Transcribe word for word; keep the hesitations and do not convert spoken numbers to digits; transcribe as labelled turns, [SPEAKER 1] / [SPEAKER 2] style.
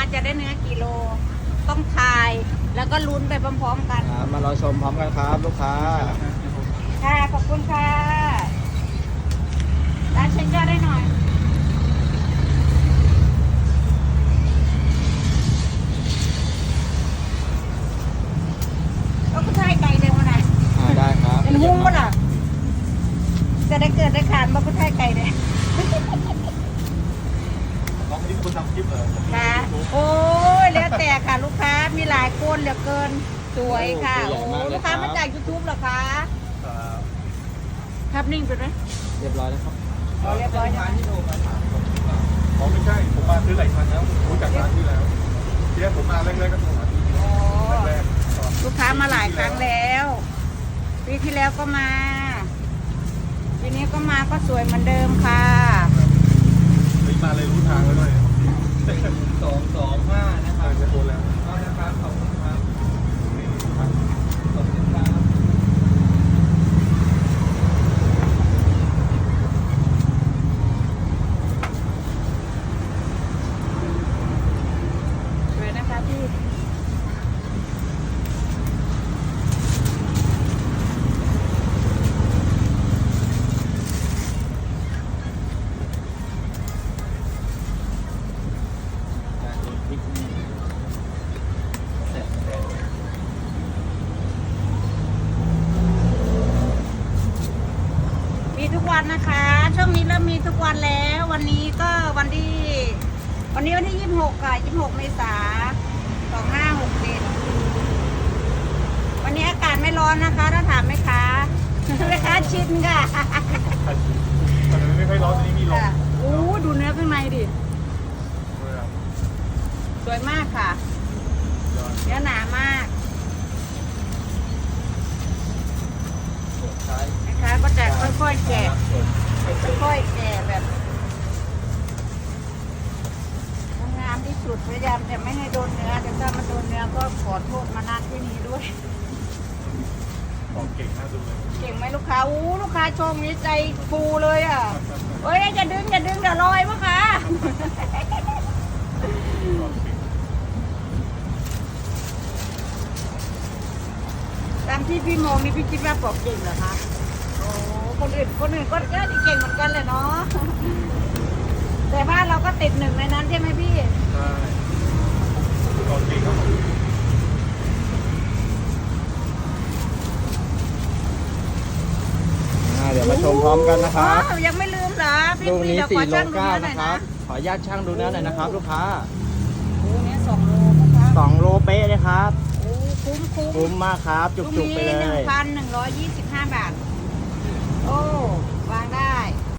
[SPEAKER 1] จะได้เนื้อกี่โลต้องทายแล้วก็ลุ้นไปพร้อมๆกัน
[SPEAKER 2] ครับมารอชมพร้อมกันครับลูกค้า
[SPEAKER 1] ค่ะขอบคุณค่ะร้านเช็คยอดได้หน่อยก็ผู้ชายไก่เร็วมาหน่อย
[SPEAKER 2] อ่าได้ครับ
[SPEAKER 1] เป็นหุ้งมั้งล่ะจะได้เกิดได้ขานมาผู้ชายไก่เลย
[SPEAKER 3] น้องนี่คนทำคลิปเหรอ
[SPEAKER 1] ค่ะโอ้ยแล้วแต่ค่ะลูกค้ามีหลายคนเหลือเกินสวยค่ะโอ้ลูกค้ามาจากยูทูบเหรอคะครับนิ่งไปไหม
[SPEAKER 2] เรียบร้อยแล้วครับ
[SPEAKER 1] เรียบร้อยแล้ว
[SPEAKER 3] อ๋อไม่ใช่ผมมาซื้อหลายครั้งแล้วผมรู้จักร้านที่แล้วเดี๋ยวผมมาแรกๆก็โทรหาที่
[SPEAKER 1] อ๋อ
[SPEAKER 3] แรกๆ
[SPEAKER 1] ลูกค้ามาหลายครั้งแล้วปีที่แล้วก็มาปีนี้ก็มาก็สวยเหมือนเดิมค่ะ
[SPEAKER 3] เฮ้ยมาเลยรู้ทางแล้วด้วย
[SPEAKER 2] สองสองห้านะค
[SPEAKER 3] เอ
[SPEAKER 2] รับ
[SPEAKER 3] อจะโทรแล้ว
[SPEAKER 2] ก็นะครับขอบคุณครับ
[SPEAKER 3] นี่
[SPEAKER 2] ขอบคุณครับ
[SPEAKER 1] สวยนะคะพี่มีทุกวันนะคะ ช่วงนี้เริ่มมีทุกวันแล้ว วันนี้ก็วันที่ วันนี้วันที่ยี่สิบหกค่ะยี่สิบหกเมษาสองห้าหกเจ็ดวันนี้อากาศไม่ร้อนนะคะ ถ้าถามไหมคะแม่ค้าชินค่ะ
[SPEAKER 3] ตอนนี้ไม่ค่อยร้อนตอนนี้มีลม
[SPEAKER 1] ค่ะโอ้ดูเนื้อข้างในดิ สวยมากค่ะ เนื้อหนามากนะคะก็จะค่อยๆแกะค่อยๆแกะแบบงามที่สุดพยายามจะไม่ให้โดนเนื้อแต่ถ้ามันโดนเนื้อก็ขอโทษมาณที่นี้ด้วย
[SPEAKER 3] บอกเก่งน่าดูเลย
[SPEAKER 1] เก่งไหมลูกค้าอู้ลูกค้าชมนี้ใจฟูเลยอ่ะเฮ้ยอย่าดึงอย่าดึงเดี๋ยวลอยมั้งคะตามที่พี่มองนี่พี่คิดว่าปอกเก่งเหรอคะโอ้คนอื่นคนอื่นก็เก่งเหมือนกันเลยเนาะแต่ว่าเราก็ติดหนึ่งในนั้นใช่ไหมพี่
[SPEAKER 3] ใช่บอกเก่งครับผม
[SPEAKER 2] อ่าเดี๋ยวมาชมพร้อมกันนะครับ
[SPEAKER 1] อ๋อยังไม่ลืมเหรอพี่
[SPEAKER 2] ลูก
[SPEAKER 1] พี่
[SPEAKER 2] นี้
[SPEAKER 1] เดี๋ยวข
[SPEAKER 2] สี่
[SPEAKER 1] อ
[SPEAKER 2] โล
[SPEAKER 1] ช่างดู
[SPEAKER 2] เก้า
[SPEAKER 1] เนื้อหน่อย
[SPEAKER 2] นะครั
[SPEAKER 1] นะ
[SPEAKER 2] บ ขออนุญาตช่างดูเนื้อหน่อยนะครับ ลูกค้า
[SPEAKER 1] โอ้เนี่ยสองโลนะคะ
[SPEAKER 2] สองโลเป๊ะเลยครับ
[SPEAKER 1] โอ้คุ้มคุ้ม
[SPEAKER 2] คุ้มมากครับ จุกๆไปเล
[SPEAKER 1] หนึ่ง
[SPEAKER 2] ย
[SPEAKER 1] พันหนึ่งร้อยยี่สิบห้าบาท โอ้วางได้